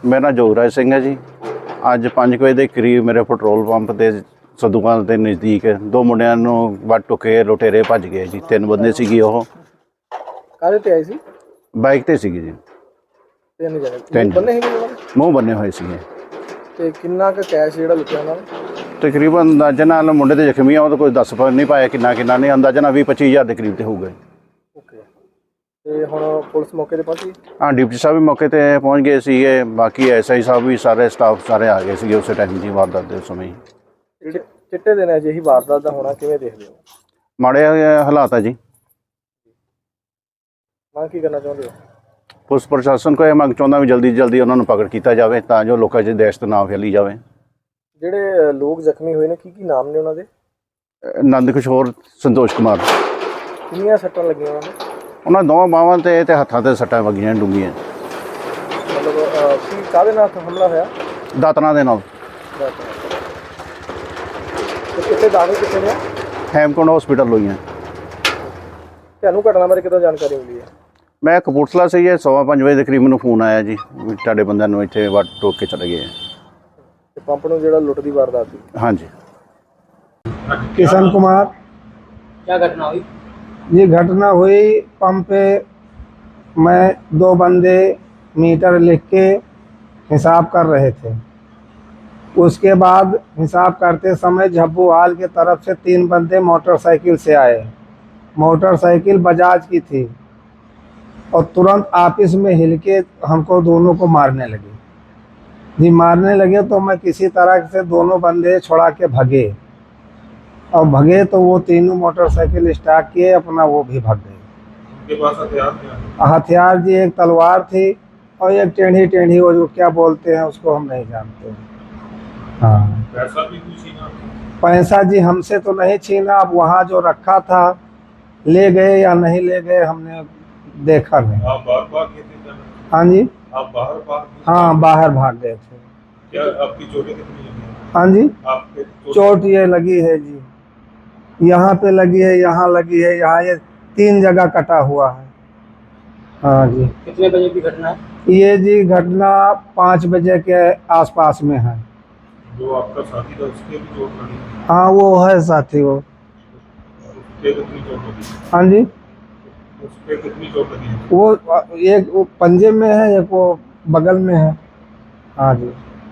मेरा नाम जोगराज सिंह है जी। ਅੱਜ 5 ਵਜੇ ਦੇ ਕਰੀਬ ਮੇਰੇ ਪੈਟਰੋਲ ਪੰਪ ਤੇ ਸਦੂਕਾਂ ਦੇ ਨਜ਼ਦੀਕ ਦੋ ਮੁੰਡਿਆਂ ਨੂੰ ਵੱਢ ਟੁਕੇ ਲੁਟੇਰੇ ਭੱਜ ਗਏ ਜੀ। 3 ਬੰਦੇ ਸੀਗੇ। ਉਹ ਕਾਹਦੇ ਤੇ ਆਏ ਸੀ? ਬਾਈਕ ਤੇ ਸੀਗੇ ਜੀ। 3 ਜਣੇ ਤਿੰਨ ਬੰਨੇ ਸੀਗੇ ਉਹਨਾਂ ਦੇ? ਮੂੰਹ ਬੰਨੇ ਹੋਏ ਸੀਗੇ। ਤੇ ਕਿੰਨਾ ਕੁ ਕੈਸ਼ ਜਿਹੜਾ ਲੁੱਟਿਆ ਉਹਨਾਂ ਨੇ? ਤਕਰੀਬਨ ਅੰਦਾਜ਼ਾ ਨਾਲ ਮੁੰਡੇ ਦੇ ਜ਼ਖਮੀ ਆ, ਉਹ ਤਾਂ ਕੋਈ ਦੱਸ ਨਹੀਂ ਪਾਇਆ ਕਿੰਨਾ ਨਹੀਂ, ਅੰਦਾਜ਼ਾ ਨਾਲ 20-25 ਹਜ਼ਾਰ ਦੇ ਕਰੀਬ ਤੇ ਹੋਊਗਾ। ਓਕੇ। ਤੇ ਹੁਣ ਪੁਲਿਸ ਮੌਕੇ ਤੇ ਪਹੁੰਚੀ? ਹਾਂ, ਡਿਪਟੀ ਸਾਹਿਬ ਵੀ ਮੌਕੇ ਤੇ ਪਹੁੰਚ ਗਏ ਸੀਗੇ। ਬਾਕੀ SI ਸਾਹਿਬ ਵੀ ਸਾਰੇ ਸਟਾਫ ਸਾਰੇ ਆ ਗਏ ਸੀਗੇ ਉਸੇ ਟਾਈਮ ਦੀ ਵਾਰਦਾਤ ਦੇ ਸਮੇਂ ਹੀ। ਚਿੱਟੇ ਦਿਨ ਅਜਿਹੀ ਵਾਰਦਾਤ ਦਾ ਹੋਣਾ ਕਿਵੇਂ ਦੇਖਦੇ ਹੋ? ਮਾੜੇ ਹਾਲਾਤ ਆ ਜੀ। ਮੰਗ ਕੀ ਕਰਨਾ ਚਾਹੁੰਦੇ ਹੋ? ਪੁਲਿਸ ਪ੍ਰਸ਼ਾਸਨ ਕੋਲ ਇਹ ਮੰਗ ਚਾਹੁੰਦਾ ਵੀ ਜਲਦੀ ਜਲਦੀ ਉਹਨਾਂ ਨੂੰ ਪਕੜ ਕੀਤਾ ਜਾਵੇ ਤਾਂ ਜੋ ਲੋਕਾਂ 'ਚ ਦਹਿਸ਼ਤ ਨਾ ਫੈਲੀ ਜਾਵੇ। ਜਿਹੜੇ ਲੋਕ ਜ਼ਖਮੀ ਹੋਏ ਨੇ ਕੀ ਨਾਮ ਨੇ ਉਹਨਾਂ ਦੇ? ਨੰਦ ਕਿਸ਼ੋਰ, ਸੰਤੋਸ਼ ਕੁਮਾਰ। ਕਿੰਨੀਆਂ ਸੱਟਾਂ ਲੱਗੀਆਂ ਉਹਨਾਂ ਦੇ? ਉਹਨਾਂ ਦੋਵਾਂ ਬਾਹਾਂ ਤੇ ਹੱਥਾਂ ਤੇ ਸੱਟਾਂ ਵੱਜੀਆਂ ਡੂੰਘੀਆਂ। ਮਤਲਬ ਕੀ ਕਾਹਦੇ ਨਾਲ ਹਮਲਾ ਹੋਇਆ? ਦਾਤਰਾਂ ਦੇ ਨਾਲ। ਕਿੱਥੇ ਦਾਖਲ ਕਿੱਥੇ ਨੇ? ਹੈਮਕੁੰਡ ਹਸਪੀਟਲ ਹੋਈਆਂ। ਤੁਹਾਨੂੰ ਘਟਨਾ ਬਾਰੇ ਕਿਦੋਂ ਜਾਣਕਾਰੀ ਮਿਲੀ ਹੈ? ਮੈਂ ਕਪੂਰਥਲਾ ਸੇ 5:15 ਵਜੇ ਦੇ ਕਰੀਬ ਮੈਨੂੰ ਫੋਨ ਆਇਆ ਜੀ ਵੀ ਤੁਹਾਡੇ ਬੰਦਿਆਂ ਨੂੰ ਇੱਥੇ ਵੱਢ ਟੋਕ ਕੇ ਚਲੇ ਗਏ। ਤੇ ਪੰਪ ਨੂੰ ਜਿਹੜਾ ਲੁੱਟ ਦੀ ਵਾਰਦਾਤ ਸੀ? ਹਾਂਜੀ। किशन कुमार। क्या घटना हुई? ये घटना हुई पंप पे, मैं 2 बंदे मीटर लिख के हिसाब कर रहे थे। उसके बाद हिसाब करते समय झब्बूहाल की तरफ से 3 बंदे मोटरसाइकिल से आए। मोटरसाइकिल बजाज की थी और तुरंत आपस में हिल के हमको दोनों को मारने लगे जी। मारने लगे तो मैं किसी तरह से दोनों बंदे छुड़ा के भगे और भगे तो वो तीनों मोटरसाइकिल स्टार्ट किए अपना, वो भी भाग गए। उनके पास हथियार क्या? हथियार जी एक तलवार थी और एक टेढ़ी वो जो क्या बोलते हैं उसको हम नहीं जानते। हाँ। पैसा भी कुछ छीना? पैसा जी हमसे तो नहीं छीना। अब वहाँ जो रखा था ले गए या नहीं ले गए हमने देखा नहीं। आप बाहर भाग गए थे? हाँ जी। आप बाहर भाग? हाँ, बाहर भाग गए थे। क्या आपकी चोटें कितनी लगी? हाँ जी, आपके चोट ये लगी है जी, यहाँ पे लगी है, यहाँ लगी है, यहाँ ये 3 जगह कटा हुआ है। हाँ जी। कितने बजे की घटना है? ये जी घटना 5 बजे के आसपास में है। जो आपका साथी था उसके भी चोट लगी? हाँ, वो है साथी। वो उसके कितनी चोट लगी? हाँ जी, उसके कितनी चोट लगी? वो एक वो पंजे में है, एक वो बगल में है। हाँ जी।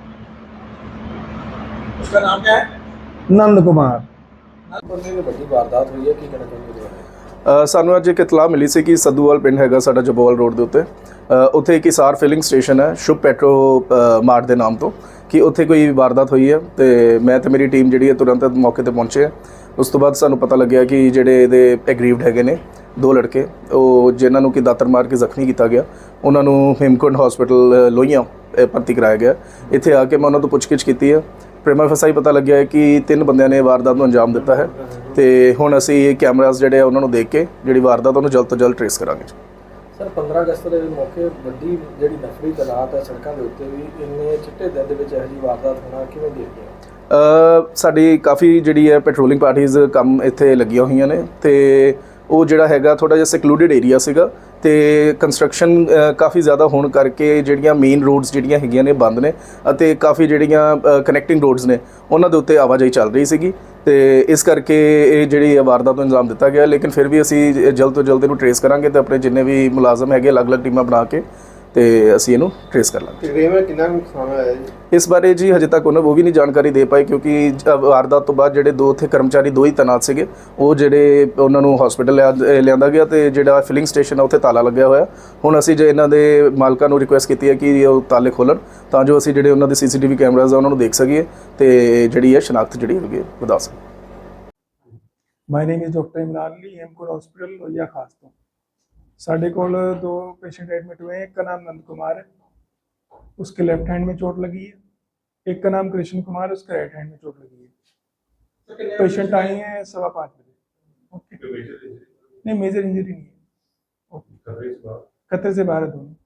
उसका नाम क्या है? नंद कुमार। वारदात हुई है की कहना चाਹੁੰਦੇ? ਸਾਨੂੰ ਅੱਜ ਇੱਕ ਇਤਲਾਹ ਮਿਲੀ ਸੀ ਕਿ ਸੱਦੂਵਾਲ ਪਿੰਡ ਹੈਗਾ ਸਾਡਾ ਜੱਬੋਵਾਲ ਰੋਡ ਦੇ ਉੱਤੇ, ਉੱਥੇ ਇੱਕ ਹਿਸਾਰ ਫਿਲਿੰਗ ਸਟੇਸ਼ਨ ਹੈ ਸ਼ੁਭ ਪੈਟਰੋ ਮਾਰਟ ਦੇ ਨਾਮ ਤੋਂ, ਕਿ ਉੱਥੇ ਕੋਈ ਵਾਰਦਾਤ ਹੋਈ ਹੈ। ਤੇ ਮੈਂ ਤੇ ਮੇਰੀ ਟੀਮ ਜਿਹੜੀ ਹੈ ਤੁਰੰਤ ਮੌਕੇ ਤੇ ਪਹੁੰਚੇ ਆ। ਉਸ ਤੋਂ ਬਾਅਦ ਸਾਨੂੰ ਪਤਾ ਲੱਗਿਆ ਕਿ ਜਿਹੜੇ ਇਹਦੇ ਐਗਰੀਵਡ ਹੈਗੇ ਨੇ 2 ਲੜਕੇ, ਉਹ ਜਿਨ੍ਹਾਂ ਨੂੰ ਕਿ ਦਾਤਰ ਮਾਰ ਕੇ ਜ਼ਖਮੀ ਕੀਤਾ ਗਿਆ, ਉਹਨਾਂ ਨੂੰ ਹੇਮਕੁੰਡ ਹਸਪੀਟਲ ਲੋਹੀਆਂ ਭਰਤੀ ਕਰਾਇਆ ਗਿਆ। ਇੱਥੇ ਆ ਕੇ ਮੈਂ ਉਹਨਾਂ ਤੋਂ ਪੁੱਛਗਿੱਛ ਕੀਤੀ ਹੈ। ਪ੍ਰੀਮਾ ਫਸਾਈ ਪਤਾ ਲੱਗਿਆ ਹੈ ਕਿ 3 ਬੰਦਿਆਂ ਨੇ ਵਾਰਦਾਤ ਨੂੰ ਅੰਜਾਮ ਦਿੱਤਾ ਹੈ। ਤੇ ਹੁਣ ਅਸੀਂ ਕੈਮਰਾਜ਼ ਜਿਹੜੇ ਆ ਉਹਨਾਂ ਨੂੰ ਦੇਖ ਕੇ ਜਿਹੜੀ ਵਾਰਦਾਤ ਉਹਨੂੰ ਜਲਦ ਤੋਂ ਜਲਦ ਟ੍ਰੇਸ ਕਰਾਂਗੇ। ਸਰ 15 ਅਗਸਤ ਦੇ ਮੌਕੇ ਵੱਡੀ ਜਿਹੜੀ ਨਫਰੀ ਤਨਾਤ ਹੈ ਸੜਕਾਂ ਦੇ ਉੱਤੇ ਵੀ, ਇੰਨੇ ਚਿੱਟੇ ਦਿਨ ਦੇ ਵਿੱਚ ਇਹੋ ਜਿਹੀ ਵਾਰਦਾਤ ਹੋਣਾ ਕਿਵੇਂ ਦੇਖਦੇ ਹੋ? ਸਾਡੀ ਕਾਫੀ ਜਿਹੜੀ ਹੈ ਪੈਟਰੋਲਿੰਗ ਪਾਰਟੀਜ਼ ਕੰਮ ਇੱਥੇ ਲੱਗੀਆਂ ਹੋਈਆਂ ਨੇ ਤੇ ਉਹ ਜਿਹੜਾ ਹੈਗਾ ਥੋੜ੍ਹਾ ਜਿਹਾ ਸੈਕਲੂਡਡ ਏਰੀਆ ਸੀਗਾ ਤੇ ਕੰਸਟਰਕਸ਼ਨ ਕਾਫੀ ਜ਼ਿਆਦਾ ਹੋਣ ਕਰਕੇ ਜਿਹੜੀਆਂ ਮੇਨ ਰੋਡਸ ਜਿਹੜੀਆਂ ਹੈਗੀਆਂ ਨੇ ਬੰਦ ਨੇ ਅਤੇ ਕਾਫੀ ਜਿਹੜੀਆਂ ਕਨੈਕਟਿੰਗ ਰੋਡਸ ਨੇ ਉਹਨਾਂ ਦੇ ਉੱਤੇ ਆਵਾਜਾਈ ਚੱਲ ਰਹੀ ਸੀਗੀ ਤੇ ਇਸ ਕਰਕੇ ਇਹ ਜਿਹੜੀ ਵਾਰਦਾਤ ਨੂੰ ਅੰਜਾਮ ਦਿੱਤਾ ਗਿਆ। ਲੇਕਿਨ ਫਿਰ ਵੀ ਅਸੀਂ ਜਲਦ ਤੋਂ ਜਲਦ ਇਹਨੂੰ ਟ੍ਰੇਸ ਕਰਾਂਗੇ ਤੇ ਆਪਣੇ ਜਿੰਨੇ ਵੀ ਮੁਲਾਜ਼ਮ ਹੈਗੇ ਅਲੱਗ-ਅਲੱਗ ਟੀਮਾਂ ਬਣਾ ਕੇ ਤੇ ਅਸੀਂ ਇਹਨੂੰ ਟ੍ਰੇਸ ਕਰ ਲਾਂਗੇ। ਤਕਰੀਬਨ ਕਿੰਨਾ ਨੁਕਸਾਨ ਹੋਇਆ ਜੀ? ਇਸ ਬਾਰੇ ਜੀ ਹਜੇ ਤੱਕ ਉਹਨਾਂ ਉਹ ਵੀ ਨਹੀਂ ਜਾਣਕਾਰੀ ਦੇ ਪਾਏ ਕਿਉਂਕਿ ਵਾਰਦਾਤ ਤੋਂ ਬਾਅਦ ਜਿਹੜੇ 2 ਉੱਥੇ ਕਰਮਚਾਰੀ 2 ਹੀ ਤੈਨਾਤ ਸੀਗੇ, ਉਹ ਜਿਹੜੇ ਉਹਨਾਂ ਨੂੰ ਹਸਪੀਟਲ ਲਿਆਂਦਾ ਗਿਆ ਤੇ ਜਿਹੜਾ ਫਿਲਿੰਗ ਸਟੇਸ਼ਨ ਆ ਉੱਥੇ ਤਾਲਾ ਲੱਗਿਆ ਹੋਇਆ। ਹੁਣ ਅਸੀਂ ਜੇ ਇਹਨਾਂ ਦੇ ਮਾਲਕਾਂ ਨੂੰ ਰਿਕੁਐਸਟ ਕੀਤੀ ਹੈ ਕਿ ਉਹ ਤਾਲੇ ਖੋਲ੍ਹਣ ਤਾਂ ਜੋ ਅਸੀਂ ਜਿਹੜੇ ਉਹਨਾਂ ਦੇ CCTV ਕੈਮਰਾਜ਼ ਆ ਉਹਨਾਂ ਨੂੰ ਦੇਖ ਸਕੀਏ ਤੇ ਜਿਹੜੀ ਹੈ ਸ਼ਨਾਖਤ ਜਿਹੜੀ ਹੈਗੀ ਵਧਾ ਸਕੀਏ। My name is doctor Imran Ali, Hemkund hospital Lohia Khas ਤੋਂ। साढ़े को 2 पेशेंट एडमिट हुए हैं। एक का नाम नंद कुमार है, उसके लेफ्ट हैंड में चोट लगी है। एक का नाम कृष्ण कुमार है, उसके राइट हैंड में चोट लगी है। पेशेंट आए हैं 5:15 बजे। ओके, नहीं मेजर इंजरी नहीं है। ओके, खतरे से बाहर है दोनों।